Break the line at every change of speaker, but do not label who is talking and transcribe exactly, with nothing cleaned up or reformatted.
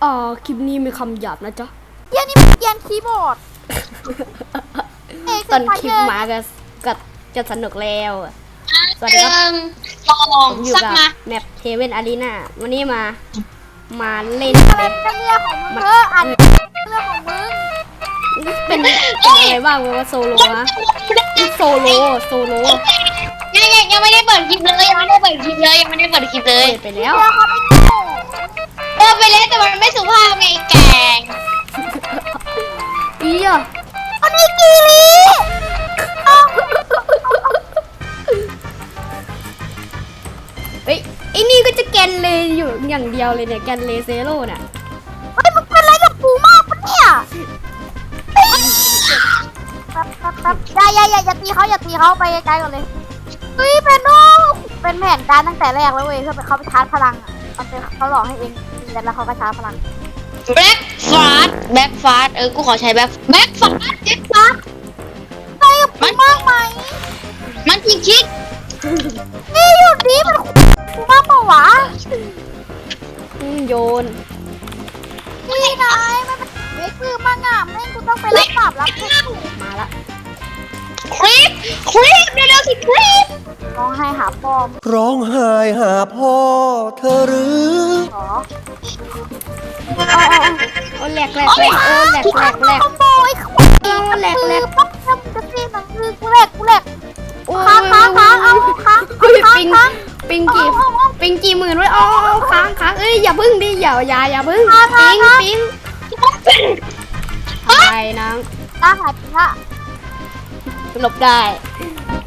อ่าคลิปนี้มีคำหยาบนะจ๊ะ
เกียร์นี่เป็นเกียร์คีย์บอร์ด
ตอนคลิปมาก็ก็จะสนุกแล้วสวัสดีครับ
ลองลอง
ผมอยู่
สัก
กับ
มา
แมปเทเวนอารีนาวันนี้มามาเล่น
อะไรเป็นเรื่องของมึงเธออ่านเรื่องของมึง
เป็นเป็นอะไรบ้างวะโซโลนะโซโลโซโล
ยังยังยังไม่ได้เปิดคลิปเลยยังไม่ได้เปิดคลิปเลยยังไม่ได้เปิดคลิปเลย
เปิดไปแล้ว
เรื่องเขาไม่โง่
เออไปแล้วแต่มันไม่สุภาพไงแกง
อีอ่ะ
อันนี้กีรี
เฮ้ยไอ้นี่ก็จะแกนเลอยู่อย่างเดียวเลยเนี่ยแกนเลเซโร่น่ะ
เฮ้ยมึงเป็นอะไรกับกูมากปะเนี่ยแป๊บแป๊บแป๊บอย่าอย่าอย่าอย่าตีเขาอย่าตีเขาไปไกลๆก่อนเลยเฮ้ยเป็นโนเป็นแผนการตั้งแต่แรกแล้วเว้ยเพื่อไปเขาไปชาร์จพลังอ่ะมันเป็นเขาหลอกให้เองตีกันแล้วเขาก็ชาร์จพลัง
แบ็คฟาสแบ็คฟาสเออกูขอใช้แบ็คแบ็คฟาสแบ็คฟาส
ไปกับกูมากไหม
มันจริงคิด
นี่หยุดดิมันกูมากเปล่าวะ
อืมโยน
นี่นายมันเป็นเด็กคือมังอ่ะแม่งกูต้องไปรับบาปรับทุกข์
มาละ
คลิปคลิปเร็วๆสิคลิป
ร้องไห้หาปอม
ร้องไห้หาพ่อเธอหรือ
เหรอ
โอ้แหลกแหลกแหลกโอ้แหลกแหลกแหลก
ขโมยขโมย
โอ้แหลกแหลก
ปั๊บทำจะซีหนังคือกูแหลกกูแหลก
โอ้
ค้างค้างค้างเอาค้าง
เฮ้ย
ค้าง
ปิง
ค้าง
ปิงกี่ปิงกี่หมื่นไว้อ๋อค้างค้างเอ้ยอย่าพึ่งดิอย่าอย่าอย่าพึ่ง
ค้างค้า
ปิ
ง
ง
ค้าง
ปิงไปนาง
ตาหายไปละ
หลบได้